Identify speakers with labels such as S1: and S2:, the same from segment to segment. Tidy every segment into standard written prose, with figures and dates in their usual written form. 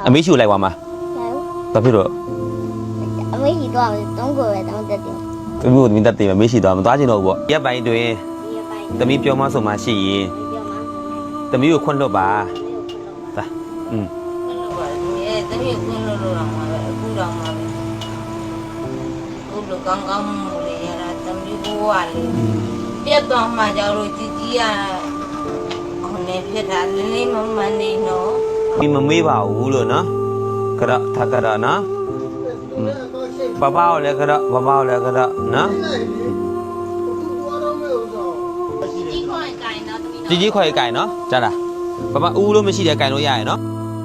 S1: အမေရှိကိုလိုက်သွားမှာဘာဖြစ်လို့
S2: အမေရှိတော့တုံးကိုပဲတောင်းတက်တယ်
S1: သူတို့မိသားတယ်မေးရှိသွားမသွားချင်တော့ဘူးပေါ့ရက်ပိုင်းတွင်သမီးပြောမဆိုမှရှိရင်သမီးကိုခွန့်လွတ်ပါသာ
S3: သမီးကိုခွန့်လွတ်လို့တော့မှာပဲအခုတော့မှာပဲအခုလိုကောင်းကောင်းမှုလေးရတာသမီးဘဝလေးပြတ်သွားမှကြောင့်လို့ជីជីကခုနေဖြစ်တာလေးမမနေနော်
S1: ဒီမမေးပါဘူးလို့နော်ကရထကရနော်ပပကိုလည်းကရပပကိုလည်းကရနော်ကြီးခွဲကြိုင်နော်ကြားလားပပဦးလို့မရှိတဲ့ကြိုင်လို့ရရနော်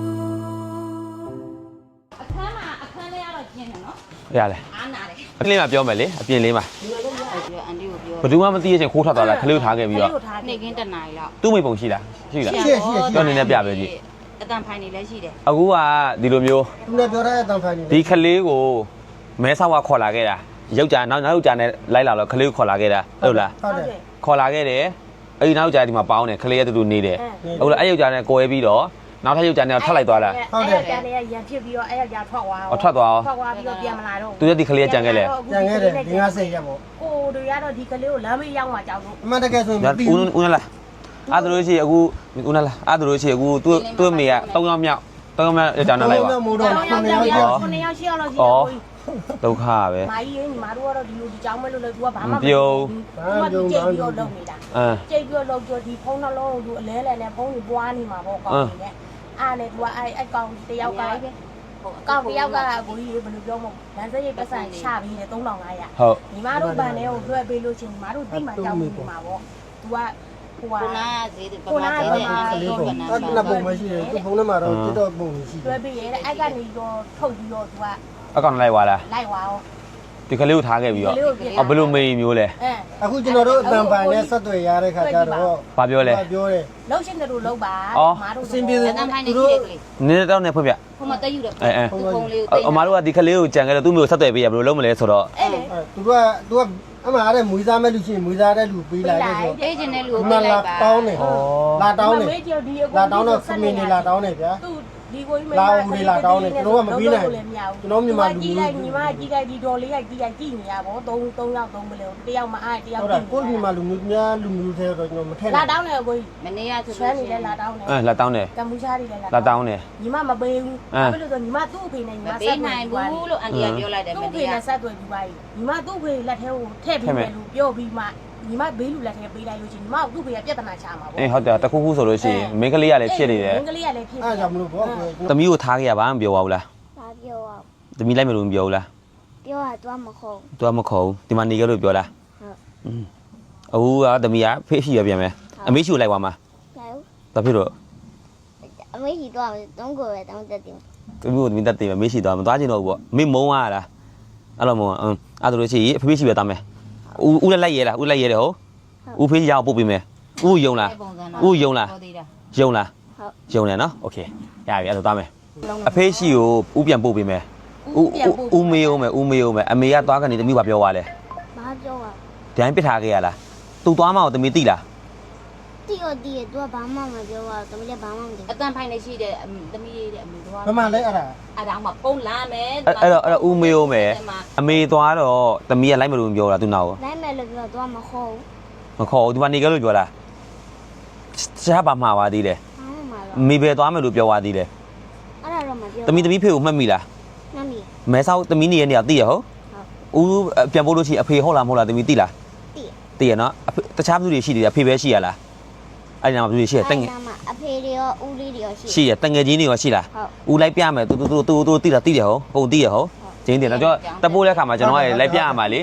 S3: အခန်းလေးကတော့ကျင်းတယ်နော်
S1: ရလဲ
S3: အားနာတယ်
S1: အကလေးမှပြောမယ်လေအပြင်လေးမှာ
S3: အန်တီကိုပြော
S1: ဘယ်သူမှမသိရချင်းခိုးထွက်သွားလားခလေးကိုထားခဲ့ပြီးတော့
S3: နေကင်းတနားရီလောက်
S1: သူ့မိပုံရှိလားရှိလားပြောနေနဲ့ပြပဲကြည့်
S3: အတန်ဖိုင်နေလည်းရှိတယ်
S1: အခုကဒီလိုမျိုး
S4: သူလည်းပြောတဲ့အတန်ဖိုင်နေ
S1: ဒီခလေးကိုမဲဆောက်ကခေါ်လာခဲ့တာယောက်ျားနောက်ယောက်ျားနဲ့လိုက်လာတော့ခလေးကိုခေါ်လာခဲ့တာဟုတ်လား
S4: ဟုတ်တယ်
S1: ခေါ်လာခဲ့တယ်အဲ့ဒီနောက်ယောက်ျားဒီမှာပေါင်းတယ်ခလေးရဲ့တူတူနေတယ်ဟုတ်လားအဲ့ယောက်ျားနဲ့ကိုယ်ပြီးတော့နောက်ထပ်ယောက်ျားနဲ့ထပ်လိုက်သွားလား
S4: ဟုတ်တယ်
S3: ကျန်နေရရန်ဖြစ်ပြီးတော့အဲ့ယောက်ျားထွက်သွား
S1: အောင်ထွက်သွား
S3: ပြီးတော့ပြန်မလာတော့
S1: သူရဲ့ဒီခလေးကကြံခဲ့လေ
S4: ကြံခဲ့တယ်ဒီ90ရက်ပေါ့
S3: ကိုတို့ရတော့ဒီကလေးကိုလမ်းမေးရောက်မှကြောက်လို့
S4: အမှန်တကယ်ဆိုရင်မပြီး
S1: ဦးနလားအဲ့ဒါလို့ရှိရင်အခုဦးနလားအဲ့ဒါလို့ရှိရင်အခုသူ့မေက3ယောက်မြောက်3ယောက်မြောက်ယောက်ျားနဲ့လိုက်ပါ
S4: မို့တော့9ယောက်
S3: 9ယောက်ရှိအောင်လို့ရှိတယ်
S1: ဒုက္ခပဲ
S3: မာကြီးညီမတို့ကတော့ဒီလိုဒီကြောင်းမဲ့လို့လေ तू ကဘာမှမပြုံး तू ကကြိတ်ပြီးတော့လုပ်နေတာကြိတ်ပြီးတော့လုပ်ပြီးဒီဖုန်းနှလုံးကို तू အလဲလဲနဲ့ဖုန်းကြီးပွားနေမှာပေါ့ကောင်းနေနဲ့အားနဲ့ तू ကအဲ့ကောင်တယောက်ကကောက်တယောက်ကကိုကြီးဘယ်လိုပြောမလဲလမ်းစရိတ်ပတ်စံချပြီးနေ3500
S1: ဟုတ်
S3: ညီမတို့ဗန်ထဲကိုလွှဲပေးလို့ချင်းညီမတို့တိမှကြောက်နေမှာပေါ့ तू ကဟိုနာဈေးပမာဈေးနဲ့
S4: ကလေးပေါ့အဲ့ပုံမရှိတယ်သူဖုန်းထဲမှာတော့တိတော့ပုံရှိတယ်
S3: လွှဲပေးရဲအဲ့ကနေတော့ထုတ်ပြီးတော့ तू
S1: အကောင်လိုက်သွားလား
S3: လိုက်သွားအောင်
S1: ဒီကလေးကိုထားခဲ့ပြီးတော့ဘယ်လိုမေးမျိုးလဲ
S4: အခုကျွန်တော်တို့အတန်ပိုင်နဲ့ဆက်သွယ်ရတဲ့ခါကျတော့
S1: ဘာပြောလဲ
S4: ပြောတယ်
S3: လှုပ်ရှင်တို့လှုပ်ပါ
S4: မတို့အစင်ပြေတယ်
S3: သူတို့
S1: နည်းတော့နေဖွင့်ပြ
S3: ဟိုမှာတက်ယူတယ်
S1: ဖုန်းလေးကိုအမတို့ကဒီကလေးကိုကြံခဲ့တော့သူ့မျိုးဆက်သွယ်ပေးရဘယ်လိုလုပ်မလဲဆိုတော့
S3: အဲ့လေ
S4: သူကအမှအားတဲ့မွေးစားမဲ့လူချင်းမွေးစားတဲ့လူပေးလိုက်တယ်ဆို
S3: ပေးခြင်းတဲ့လူကိုပေးလိုက်ပါ
S4: တောင်းတယ်လာတောင်းတယ်လာတောင်းတော့ခမင်းနေလာတောင်းတယ်ဗျာ
S3: ဒီကိုကြီးမ
S4: လာဦးလာတောင်းတယ်ကျွန်တော်ကမပြီးနိုင်ကျွန်တော်မြန်မာလူ
S3: ကြီးလိုက်ညီမကြီးလိုက်ဒီတော်လေးရိုက်ကြည့်နေရပါဘော3ယောက်3မလဲတယောက်မအားတယောက်
S4: ကြည့်ကိုမြန်မာလူမျိုးများလူမျိုးထဲတော့ကျွန်တော်မထည့်
S3: လာတောင်းတယ်ကိုကြီးမနေ့ကဆိုဆွမ်းနေလဲလာတောင်းတယ်
S1: လာတောင်းတယ်
S3: ကမ္ဘူချားတွေလဲ
S1: လာတောင်းတယ်
S3: ညီမမပေးဘူးဘာလို့လဲဆိုညီမသူ့အဖေနဲ့ညီမဆက်နိုင်ဘူးလို့အန်တီကပြောလိုက်တယ်မနေ့ကသူ့အဖေနဲ့ဆက်သွယ်ပြီးပါညီမသူ့အဖေလက်ထဲကိုထည့်ပြီးမယ်လို့ပြောပြီးမှညီမဘေးလူလက်ထဲပေးလိုက်လို့ချင်းညီမသူ့ဖေကပြဿနာချမှာပေါ့
S1: ဟုတ်တယ်တခုခုဆိုလို့ရှိရင်မင်းကလေးကလည်းဖြစ်နေတယ်
S3: မင်းကလေးကလည်းဖြစ်နေ
S4: အဲ့ကြောင့်မလို့ပေါ့
S1: သမီးကိုထားခဲ့ရပါမပြောပါဘူးလား
S2: ဘာပြောอ่ะ
S1: သမီးလိုက်မလို့မပြောဘူးလား
S2: ပြောတာတွားမခေါ်
S1: တွားမခေါ်ဒီမှာနေကြလို့ပြောလားဟုတ်အခုကသမီးကဖေးရှိရပြန်မယ်အမေရှိကိုလိုက်သွားမှာ
S2: ဘာ
S1: ဖြစ်လို့
S2: အမေရှိတော့တုံးကိုပဲတောင်းတက်တယ်
S1: သမီးကိုသမီးတက်တယ်မေးရှိသွားမသွားချင်တော့ဘူးပေါ့မေးမုန်းရလားအဲ့လိုမုန်းအဲ့ဒါလို့ရှိရင်အဖေးရှိပဲသားမယ်ဦးလည်းလိုက်ရဲလားဦးလိုက်ရဲတယ်ဟုတ်ဦးဖေးရအောင်ပို့ပေးမယ်ဦးယုံလားဦးယုံလားယုံလားယုံတယ်နော်โอเคရပြီအဲ့ဒါသွားမယ်အဖေးရှိကိုဦးပြန်ပို့ပေးမယ်ဦးမေးအောင်မယ်ဦးမေးအောင်မယ်အမေကသွားကနေသမီးကပြောသွားလဲ
S2: ဘာပြောอ่ะ
S1: ဒိုင်းပစ်ထားခဲ့ရလားသူသွားမအောင်သမီးသိလား
S2: တိရတိရ तू ဘာမှမပြောอ่ะသမီးလည်းဘာမှမသိ
S3: အတန်ဖိုင်နေရှိတယ်သမီးရဲ့အမေသွား
S4: ဘာမှလဲအဲ့ဒါ
S3: မှပုံလာမယ်
S1: အဲ့တော့ဦးမေးအောင်မယ်အမေသွားတော့သမီးကလိုက်မလို့ပြောတာသူနောက်
S2: လိုက်မယ်လို့ပြော तू မခေါ်
S1: မခေါ်ဘူးဒီမှာနေကြလို့ပြောလားရှားပါမှာပါသေးတယ်မေပဲသွားမယ်လို့ပြောသွားသေးတယ်
S2: အဲ့ဒါတော့မပြော
S1: သမီးဖေကိုမှတ်မိလား
S2: မှတ်မိ
S1: မဲဆောက်သမီးနေရနေရသိရဟုတ်ဦးပြန်ပို့လို့ရှိရင်အဖေဟုတ်လားမဟုတ်လားသမီးသိလားသိရနော်တခြားသူတွေရှိတယ်အဖေပဲရှိရလားအဲ့ဒီမှာသူတွေရှိရတငယ်
S2: အဖေတွေရောဦးလေးတွေရော
S1: ရှိရတငယ်ချင်းတွေရောရှိလားဦးလိုက်ပြမယ်သူသိတာသိတယ်ဟုတ်သိရဟုတ်ကျင်းတယ်တော့တပိုးတဲ့ခါမှာကျွန်တော်ကလိုက်ပြရမှာလေ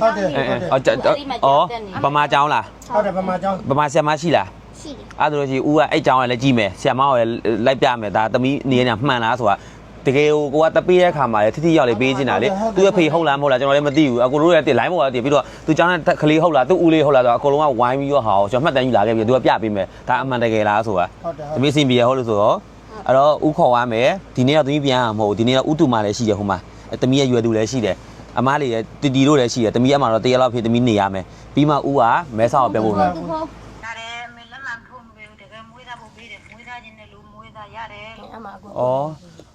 S1: ဗမာကျောင်းလား
S4: ဟုတ်တယ်ဗမာကျောင်း
S1: ဗမာဆရာမရှိလား
S2: ရှိတယ်
S1: အဲ့ဒါလို့ရှိဦးကအဲ့ကျောင်းကလည်းကြည့်မယ်ဆရာမကလည်းလိုက်ပြမယ်ဒါသမီးနေနေမှန်လားဆိုတာတကယ်ကိုကတပေးတဲ့ခါမှာလေထိရောက်လေပေးချင်တာလေသူ့အဖေဟုတ်လားမဟုတ်လားကျွန်တော်လည်းမသိဘူးအကိုတို့လည်းလိုင်းပေါ်ကတည်ပြီးတော့သူကျောင်းနဲ့ကလေးဟုတ်လားသူ့ဦးလေးဟုတ်လားဆိုတော့အကုန်လုံးကဝိုင်းပြီးတော့ဟာကျွန်တော်မှတ်တမ်းယူလာခဲ့ပြီးသူကပြပေးမယ်ဒါအမှန်တကယ်လားဆိုတာသမီးစင်ပြေဟုတ်လို့ဆိုတော့အဲ့တော့ဦးခေါ်ရမယ်ဒီနေ့ကသမီးပြန်ရမှာမဟုတ်ဒီနေ့ကဦးတူမလည်းရှိတယ်ဟိုမှာသမီးရဲ့ရွယ်သူလည်းရှိတယ်အမားလေးလည်းတီတီတို့လည်းရှိတယ်သမီးအမှတော့တရလောက်ဖြစ်သမီးနေရမယ်ပြီးမှဦးကမဲဆောက်ပြန်ဖို့မယ်
S3: ရတယ်မေလက်မှန်ဖုန်းပေးတကယ်မွေးသားဖို့ပေးတယ်မွေးသားခြင်းနဲ့လူမွေးသားရတယ်
S1: ဩ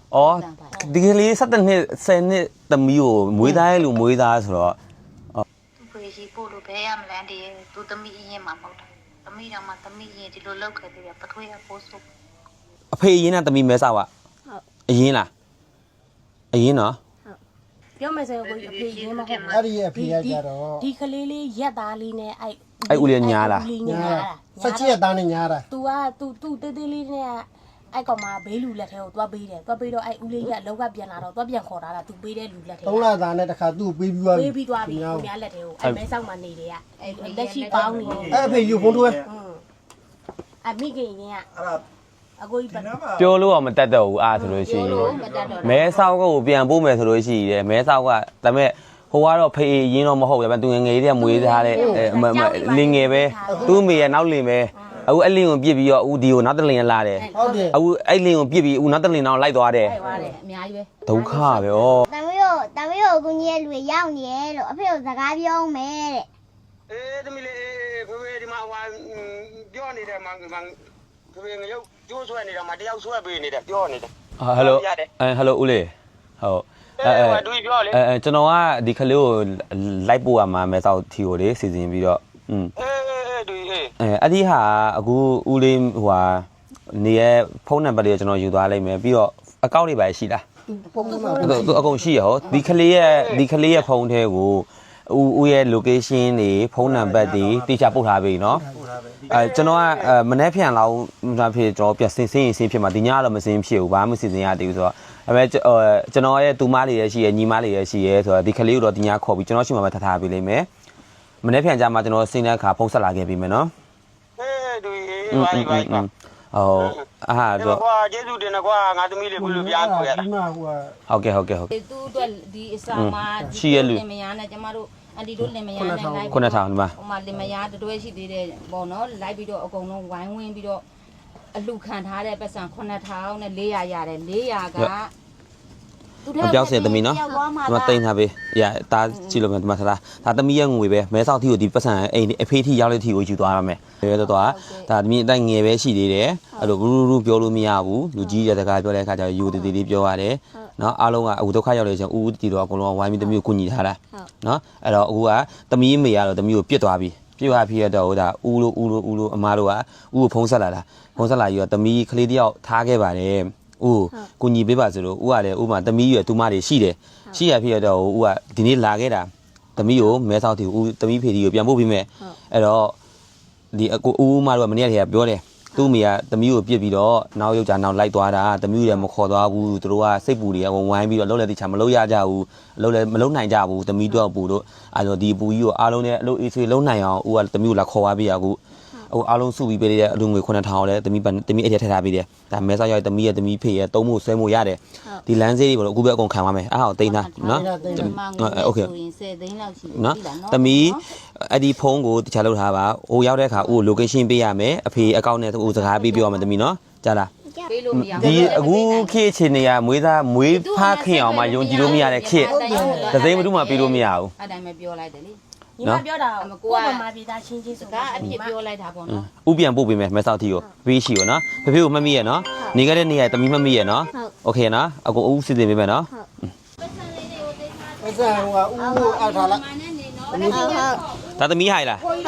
S1: အော်ဒီကလေး17နှစ်10နှစ်သမီးကိုမွေးသားရဲ့လူမွေးသားဆိုတော့
S5: သူဖေးကြီးပို့လို့ဘဲရမလန်းတည်းသူသမီးအရင်မှမဟုတ်တာသမီးတော်မှသမီးရင်ဒီလိုလောက်ခဲ့သေးတယ်ပထွေးရပို့ဆို
S1: အဖေအရင်ကသမီးမဲဆောက်ကအရင်လားအရင်နော်
S3: ပြောမယ်ဆိုရင်ကိုအဖေရင်းမဟုတ်
S4: အဲ့ဒီအဖေရကြတော့
S3: ဒီကလေးလေးရက်သားလေးနဲ့
S1: အဲ့ဦးလေးညားလား
S4: ဆက်ချစ်ရသားနဲ့ညားတာ
S3: तू က तू တေးသေးလေးနဲ့အဲ့ကောင်မဘေးလူလက်ထဲကိုသွားပေးတယ်သွားပေးတော့အဲ့ဦးလေးကအလောက်ကပြန်လာတော့သွားပြန်ခေါ်တာ तू ပေးတဲ့လူလက်ထဲ
S4: 3လသားနဲ့တခါသူ့ပေးပြီးသွား
S3: ပေးပြီးသွားပြီသူများလက်ထဲကိုအဲ့မဲဆောက်မှနေတယ်ကအဲ့လက်ရှိပေါင်းနေတယ်
S4: အဲ့အဖေယူဖုန်းထွဲ
S3: အမိခင်ရင်ကအကိုကြီးပတ်
S1: ပြောလို့တော့မတတ်တော့ဘူးအားဆိုလို့ရှိရင်မဲဆောက်ကိုပြန်ပို့မယ်ဆိုလို့ရှိရင်မဲဆောက်ကဒါပေမဲ့ဟိုကတော့ဖေးရင်းတော့မဟုတ်ဘူးဒါပေမဲ့သူငယ်ငယ်လေးကမွေးထားတဲ့လင်ငယ်ပဲသူ့မိရဲ့နောက်လင်ပဲအခုအဲ့လင်ကိုပြစ်ပြီးတော့ဦးဒီကိုနောက်တလင်လာတယ်
S4: ဟုတ်တယ်
S1: အခုအဲ့လင်ကိုပြစ်ပြီးဦးနောက်တလင်နောက်လိုက်သွားတယ်
S3: သွားတယ်အများကြီးပဲ
S1: ဒုက္ခပဲဩ
S2: တမီးတို့အကူကြီးရဲ့လူရောက်နေရဲ့လို့အဖေကိုစကားပြောမယ်တဲ့
S6: အေးသမီးလေးဖေဖေဒီမှာဟိုပြောနေတယ်မောင်ဖေဖေငရုတ်ကျိုးဆွဲနေတော့မှတယောက်ဆွဲပေးနေတယ်ပြောနေတယ်
S1: ဟယ်လိုဟယ်လိုဦးလေးဟုတ်
S6: တူပြောလေ
S1: ကျွန်တော်ကဒီကလေးကိုလိုက်ပို့ရမှာမဲဆောက်ထီကိုလေစီစဉ်ပြီးတော့
S6: အေးတူအေး
S1: အဲ့ဒီဟာအခုဦးလေးဟိုဟာနေရဲ့ဖုန်းနံပါတ်လေးကိုကျွန်တော်ယူသွားလိုက်မယ်ပြီးတော့အကောင့်တွေပါရှိလား
S4: ဖုန်းမှာ
S1: သူအကုန်ရှိရဟောဒီကလေးရဲ့ဖုန်းထဲကိုဦးရဲ့ location တွေဖုန်းနံပါတ်တွေတိကျပို့ထားပြီเนาะကျွန်တော်ကမနေ့ဖြန်လောက်ဒါဖြစ်ကျွန်တော်ပြန်စင်းဖြစ်မှာဒီညကတော့မစင်းဖြစ်ဘူးဘာမှမစီစဉ်ရသေးဘူးဆိုတော့ဒါပေမဲ့ကျွန်တော်ရဲ့တူမလေးရဲ့ရှိရဲ့ညီမလေးရဲ့ရှိရဲ့ဆိုတော့ဒီကလေးကိုတော့ဒီညခေါ်ပြီးကျွန်တော်ရှိမှပဲထားပေးလိမ့်မယ်မနေ့ဖြန်ကြမှာကျွန်တော်စင်းတဲ့အခါဖုန်းဆက်လာခဲ့ပြီမယ်เนาะ
S6: အေးတူအေးဘာ
S1: ဟုတ်အားတော့
S6: ကွာကျေးဇူးတင်တယ်ကွာငါသမီးလေးကိုလူပြားကိုရတာ
S4: ဒီမှာဟိုက
S1: ဟုတ်ကဲ့
S7: သူ့အတွက်ဒီအစာမှာလင်မယားနဲ့ကျမတို့အန်တီတို့လင်မယားနဲ့လိုက်
S1: 9000ဒီမှာ
S7: ဟိုမှာလင်မယားတွဲရှိသေးတယ်ပေါ့နော်လိုက်ပြီးတော့အကုန်လုံးဝိုင်းဝန်းပြီးတော့အလှခံထားတဲ့ပတ်စံ9000နဲ့400ရတယ်400က
S1: အပြောင်းစင်သမီးနော်ဒီမှာတိန်ထားပေးရတာကြည့်လို့မယ်ဒီမှာထားဒါသမီးရဲ့ငွေပဲမဲဆောက်ထီကိုဒီပတ်စံအိမ်အဖေးထီရောက်တဲ့ထီကိုယူသွားရမယ်ရဲတော့ဒါသမီးအတိုင်းငယ်ပဲရှိသေးတယ်အဲ့လိုရူပြောလို့မရဘူးလူကြီးတဲ့စကားပြောတဲ့အခါကျတော့ယူတည်တည်လေးပြောရတယ်နော်အားလုံးကအခုဒုက္ခရောက်လို့ရှင်ဦးတီတော့အကုန်လုံးဝိုင်းပြီးသမီးကိုကူညီထားတာနော်အဲ့တော့အခုကသမီးမေကတော့သမီးကိုပြစ်သွားပြီပြစ်သွားဖြစ်ရတော့ဒါဦးလို့အမားတို့ကဦးကိုဖုံးဆက်လာတာဖုံးဆက်လာပြီးတော့သမီးကလေးတယောက်ထားခဲ့ပါတယ်ဦးကိုညီပေးပါဆိုလို့ဦးကလည်းဦးမှာသမီးရွယ်တူမတွေရှိတယ်ရှိရဖြစ်ရတော့ဦးကဒီနေ့လာခဲ့တာသမီးကိုမဲဆောက်တီဦးသမီးဖေဒီကိုပြန်ပို့ပေးမယ်အဲ့တော့ဒီအကိုဦးမတို့ကမနေ့ကတည်းကပြောတယ်သူ့မိကသမီးကိုပြစ်ပြီးတော့နောက်ယောက်ျားနောက်လိုက်သွားတာသမီးလည်းမခေါ်သွားဘူးသူတို့ကစိတ်ပူတွေကဝိုင်းပြီးတော့လှုပ်လဲတိချာမလှုပ်ရကြဘူးလှုပ်လဲမလှုပ်နိုင်ကြဘူးသမီးတော့ပူတို့အဲ့တော့ဒီပူကြီးကိုအားလုံးနဲ့အလုပ်အေးဆွေးလှုပ်နိုင်အောင်ဦးကသမီးကိုလာခေါ်သွားပြီးရအခုအားလုံးစုပြီးပေးတဲ့အလူငွေ9000လည်းသမီးအဲ့ထက်ထည့်ထားပေးတယ်ဒါမဲဆောက်ရောက်သမီးရဲ့သမီးဖေရဲ့သုံးဖို့ဆွဲဖို့ရတယ်ဒီလမ်းစေးတွေပေါ့အခုပဲအကုန်ခံပါမယ်အားအောင်တိန်းသားနော်โอเค
S7: ဆိုရင်10သိန်းလောက်ရှိပြီ
S1: နော်
S7: လားနော်
S1: သမီးအဲ့ဒီဖုန်းကိုတခြားလုပ်ထားပါဟိုရောက်တဲ့အခါဦး location ပေးရမယ်အဖေအကောင့်နဲ့ဦးစကားပေးပြောရမယ်သမီးနော်ကြားလား
S7: ပေးလို့မရ
S1: ဒီအခုခေတ်ချင်းနေရမွေးဖားခင်အောင်မှယုံကြည်လို့မရတဲ့ခေတ်သစိမ်းမတူမှပေးလို့မရဘူး
S7: အဲ့တိုင်းပဲပြောလိုက်တယ်လေ
S3: ညီမပြောတာကိုကမှပြည်သားချင်းချင်း
S7: စ
S3: ဆို
S7: ကားအဖြစ်ပြောလိုက်တာပေါ့နော်
S1: ဥပြန်ပို့ပေးမယ်မဲဆောက်တီကိုပေးရှိရောနော်ဖေဖေကိုမှတ်မိရနော်နေခဲ့တဲ့နေရာသမီးမှတ်မိရနော်โอเคနော်အကိုဦးစီစဉ်ပေးမယ်နော်
S4: ပတ်စံဟိုကဦးကိုအထားလိုက်
S1: ဒါသမီးဟိုင်လား
S2: ဟုတ်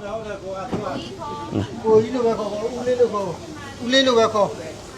S4: ကိုကြီးလိုပဲခေါ်ဦးလေးလိုခေါ်ဦးလေးလိုပဲခေါ်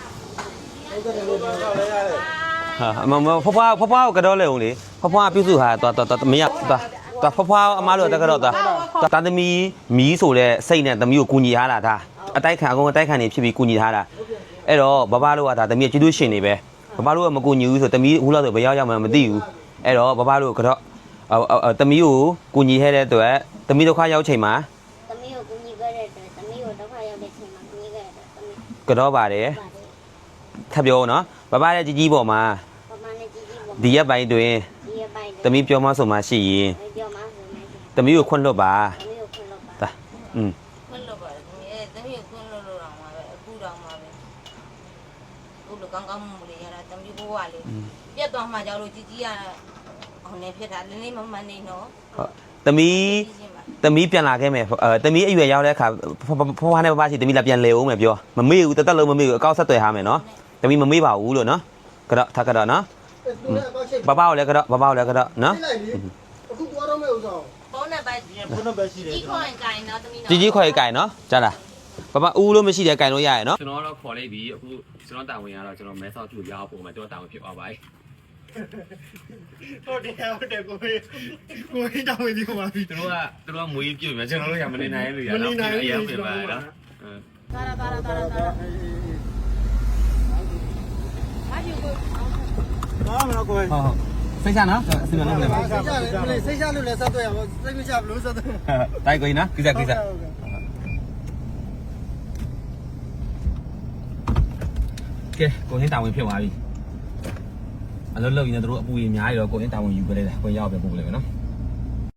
S1: ဟာမဖွားကိုကတော့လေဦးလေဖွားပြုစုဟာတော်မရတော်ဖွားအမားတို့တက်ကတော့တာသမီးမီးဆိုတဲ့စိတ်နဲ့သမီးကိုကူညီထားတာဒါအတိုက်ခံအကုန်အတိုက်ခံနေဖြစ်ပြီးကူညီထားတာအဲ့တော့ဘဘတို့ကဒါသမီးကျေးဇူးရှင်နေပဲဘဘတို့ကမကူညီဘူးဆိုသမီးအခုလောက်ဆိုဘယ်ရောက်မှမသိဘူးအဲ့တော့ဘဘတို့ကတော့သမီးကိုကူညီခဲ့တဲ့အတွက်သမီးဒုက္ခရောက်ချိန်မှာ
S2: သမီးကိုကူညီခဲ့တဲ့အတွက်သမီးကိုဒုက္ခရောက်တဲ့ချိန်မှာကူညီခဲ့တဲ့အတွက်သမီး
S1: ကတော့ပါတယ်ထပ်ပြောနော်ဘဘရဲ့ကြီးပေါ်မှာ
S2: ပမာဏကြီးကြီးပေါ့
S1: ဒီရက်ပိုင်းတွင်
S2: ဒီရပိုင်း
S1: သမီးပြောမဆိုမှရှိရင်
S2: ပြောမှဆိုမယ်
S1: သမီးကိုခွင့်လွတ်ပါ
S2: သမီးကိုခွင့်လို့ပါ
S1: ဒါอืม
S7: ခွင့်လို့ပါတယ်သမီးသမီးကိုခွင့်လို့တော့မှာပဲအခုတော့မှာပဲအခုလိုကောင်းကောင်းမွန်လေးရတာသမီးဘိုးကလေပြတ်သွားမှကြောက်လို့ကြီးကအောင်နေဖြစ်တာလင်းလေးမမနေနော်
S1: သမီးပြန်လာခဲ့မယ်သမီးအရွယ်ရောက်တဲ့အခါဖွားနဲ့ဘဘရှိသမီးလာပြန်လဲအောင်မယ်ပြောမမေ့ဘူးတက်လုံးမမေ့ဘူးအကောက်ဆက်သွယ်ထားမယ်နော်သမီးမမေ့ပါဘူးလို့နော်ကတော့ထကတော့နော်
S4: သူလည်းအကောက်ချိတ်
S1: ဘဘကိုလည်းကတော့ဘဘကိုလည်းကတော့နော်
S4: လိုက်လေအခုသွားတော့မဲ့ဥစ္စာ
S7: ဖုန်းနံပါတ်
S4: ဘုန်းတော်ပဲရှိတယ်
S7: ကြီးခွန်ကိုင်နော်သမီးနော်
S1: ကြီးခေါ်ရေးကင်နော်ကြားလားဘဘဦးလို့မရှိတဲ့ကင်လို့ရရနော်ကျွန်တော်တော့ခေါ်လိုက်ပြီအခုကျွန်တော်တာဝန်ရတော့ကျွန်တော်မဲဆောက်ကျူရောက်ပုံမှာကျွန်တော်တာဝန်ဖြစ်သွားပါပြီ
S4: ဟုတ်တယ်ကိုတောင်းဝင်ဒီမှာပြီ
S1: သူတို့ကမွေးပြုတ်မြကျွန်တော်တို့ရမနေနိုင်လို့ရတော့အရင်ပြင်ပါနော်
S3: တာတာအားယူကို
S4: ဘာမှမလုပ်ကို
S1: ဟုတ်ဖိတ်ချနော်စီမံလုပ်နေပါ
S4: စိတ်ချလို့စိတ်ချလို့လည်းဆက်သွဲရပါစိတ်မချဘလို့ဆက်သွဲ
S1: တိုက်ကိုနော်ကိစ္စကဲကိုရင်းတာဝန်ဖြစ်သွားပြီအလုပ်လုပ်ရင်တို့အပူကြီးအများကြီးတော့ကိုရင်းတာဝန်ယူကြတယ်ကိုရောက်ပဲပို့လိုက်မယ်နော်